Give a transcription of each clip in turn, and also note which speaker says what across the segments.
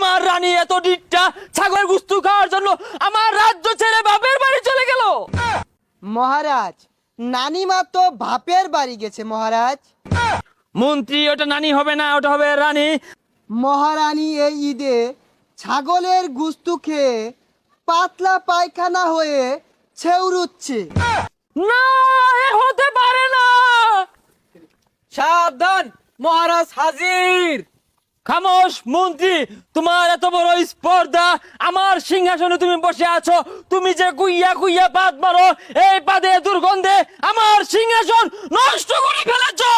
Speaker 1: আমার রানী এত ডিটটা ছাগলের গুস্তু খাওয়ার জন্য আমার রাজ্য ছেড়ে বাপের বাড়ি চলে গেল।
Speaker 2: মহারাজ, নানিমা তো বাপের বাড়ি গেছে মহারাজ।
Speaker 1: মন্ত্রী, ওটা নানি হবে না, ওটা হবে রানী।
Speaker 2: মহারানী এই ঈদে ছাগলের গুস্তু খেয়ে পাতলা পায়খানা হয়ে ছেউরুচ্ছে।
Speaker 1: না, এ হতে পারে না।
Speaker 3: সাবধান, মহারাজ হাজির।
Speaker 1: খামোশ মন্ত্রী, তোমার এত বড় স্পর্ধা, আমার সিংহাসনে তুমি বসে আছো, তুমি যে কুইয়া কুইয়া পাত মারো, এই পাদে দুর্গন্ধে আমার সিংহাসন নষ্ট করে ফেলেছো।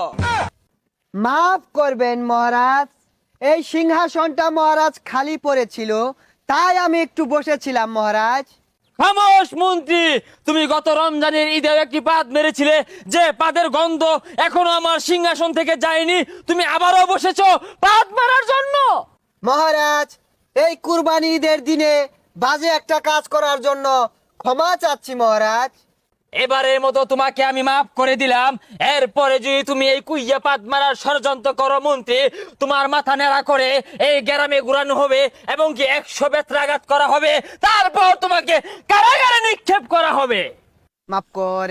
Speaker 2: মাফ করবেন মহারাজ, এই সিংহাসনটা মহারাজ খালি পড়েছিল, তাই আমি একটু বসেছিলাম মহারাজ।
Speaker 1: খামোশ মন্ত্রী, তুমি গত রমজানের ঈদে একটি পাদ মেরেছিলে, যে পাদের গন্ধ এখনো আমার সিংহাসন থেকে যায়নি, তুমি আবারও বসেছো পাদ মারার জন্য।
Speaker 2: মহারাজ, এই কুরবানি ঈদের দিনে বাজে একটা কাজ করার জন্য ক্ষমা চাচ্ছি মহারাজ।
Speaker 1: এবারের মতো তোমাকে আমি মাফ করে দিলাম। এরপরে যদি তুমি এই কুইয়া পাত মারার ষড়যন্ত্র করো মন্ত্রী, তোমার মাথা নেড়া করে এই গ্রামে ঘুরানো হবে এবং কি 100 বেত্রাঘাত করা হবে, তারপর তোমাকে কারাগারে নিক্ষেপ করা হবে।
Speaker 2: মাফ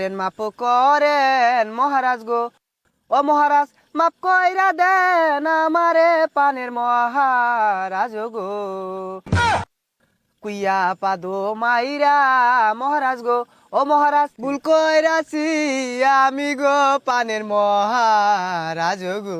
Speaker 2: করেন মহারাজ গো, ও মহারাজ মাফ কইরা দেন আমারে পানের মহারাজ গো। কুইয়া পাদো মাইরা মহারাজ গো, ও মহারাজ ভুল কইরাছি আমি গো পানের মহারাজ গো।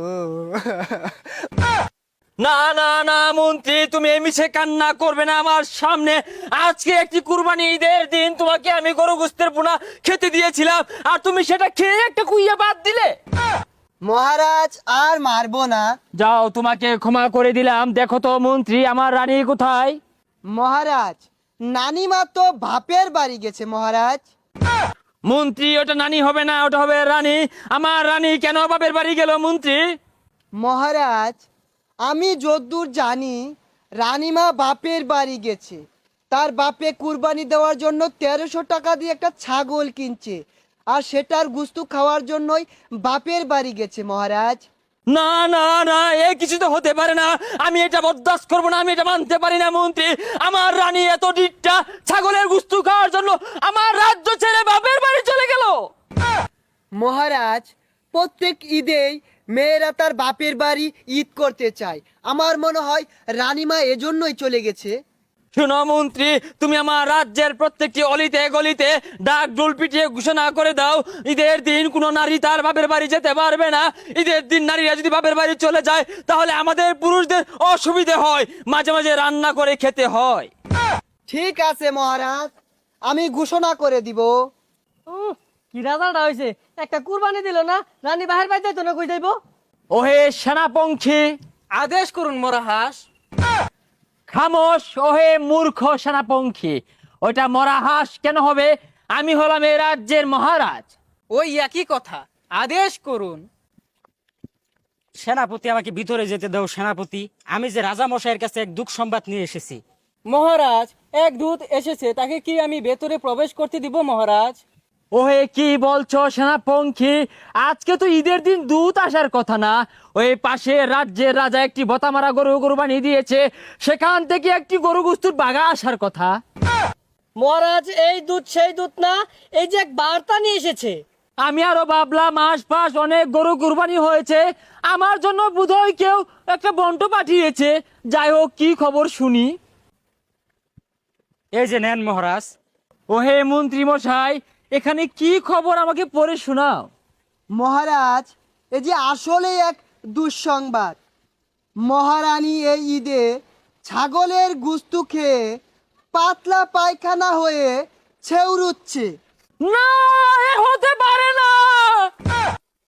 Speaker 1: না না না মন্ত্রী, তুমি এই মিছে কান্না করবে না আমার সামনে। আজকে একটি কুরবানি ঈদের দিন, তোমাকে আমি গরু গোস্তের পোনা খেতে দিয়েছিলাম, আর তুমি সেটা খেয়ে একটা কুইয়া বাদ দিলে।
Speaker 2: মহারাজ আর মারবো না।
Speaker 1: যাও, তোমাকে ক্ষমা করে দিলাম। দেখো তো মন্ত্রী, আমার রানী কোথায়?
Speaker 2: মহারাজ, নানিমা তো বাপের বাড়ি গেছে মহারাজ।
Speaker 1: মন্ত্রী, ওটা নানি হবে না, ওটা হবে রানী। আমার রানী কেন বাপের বাড়ি গেল মন্ত্রী?
Speaker 2: মহারাজ, আমি যদ্দূর জানি রানীমা বাপের বাড়ি গেছে, তার বাপে কুরবানি দেওয়ার জন্য 1300 টাকা দিয়ে একটা ছাগল কিনছে, আর সেটার গুস্তু খাওয়ার জন্যই বাপের বাড়ি গেছে মহারাজ।
Speaker 1: না না না, এ কিছু তো হতে পারে না। আমি এটা বরদাস্ত করবো না, আমি এটা মানতে পারি না মন্ত্রী। আমার রানী এত ডিটটা ছাগলের গুস্তু খাওয়ার জন্য আমার রাজ্য ছেড়ে বাপের বাড়ি চলে গেল।
Speaker 2: মহারাজ, প্রত্যেক ঈদেই মেয়েরা তার বাপের বাড়ি ঈদ করতে চায়, আমার মনে হয় রানীমা এজন্যই চলে গেছে।
Speaker 1: শুনো মন্ত্রী, তুমি আমার রাজ্যের প্রত্যেকটি অলিতে গলিতে ডাক ডোল পিটিয়ে ঘোষণা করে দাও, ঈদের দিন কোনো নারী তার বাপের বাড়ি যেতে পারবে না। ঈদের দিন নারীরা যদি বাপের বাড়ি চলে যায়, তাহলে আমাদের পুরুষদের অসুবিধে হয়, মাঝে মাঝে রান্না করে খেতে হয়।
Speaker 2: ঠিক আছে মহারাজ, আমি ঘোষণা করে দিব।
Speaker 3: কি রাজাটা হয়েছে, একটা কুরবানি দিল না, রানী বাহির বাইতে তো না কই যাইব।
Speaker 1: ওহে সেনাপঙ্খী,
Speaker 3: আদেশ করুন মহারাজ।
Speaker 1: খামোশ ওহে মূর্খ সেনাপঙ্খী। ওইটা মরা হাঁস কেন হবে? আমি হলাম এই রাজ্যের মহারাজ।
Speaker 3: ওই একই কথা, আদেশ করুন।
Speaker 4: সেনাপতি, আমাকে ভিতরে যেতে দাও সেনাপতি। আমি যে রাজা মশাইয়ের কাছে এক দুঃখ সংবাদ নিয়ে এসেছি।
Speaker 3: মহারাজ, এক দূত এসেছে, তাকে কি আমি ভেতরে প্রবেশ করতে দিব মহারাজ?
Speaker 1: ওহে কি বলছো সেনাপঙ্খী? আজকে তো ঈদের দিন দূত আসার কথা না। ওই পাশে রাজ্যের রাজা একটি বতামারা গরু কুরবানি দিয়েছে, সেখান থেকে একটি গরু গুস্তুর বাগা আসার কথা।
Speaker 3: মহারাজ, এই দূত সেই দূত না, এই যে এক বার্তা নিয়ে এসেছে।
Speaker 1: আমি আরো ভাবলাম আশপাশ অনেক গরু কুরবানি হয়েছে, আমার জন্য বোধহয় কেউ একটা বন্ট পাঠিয়েছে। যাই হোক, কি খবর শুনি।
Speaker 4: এই যে নেন মহারাজ।
Speaker 1: ওহে মন্ত্রী মশাই, এখানে কি খবর আমাকে পড়ে শোনাও।
Speaker 2: মহারাজ, এই যে আসলে এক দুঃসংবাদ। মহারানী এই ঈদে ছাগলের গুস্তু খেয়ে পাতলা পায়খানা হয়ে ছেউরুচ্ছে।
Speaker 1: না, এ হতে পারে না।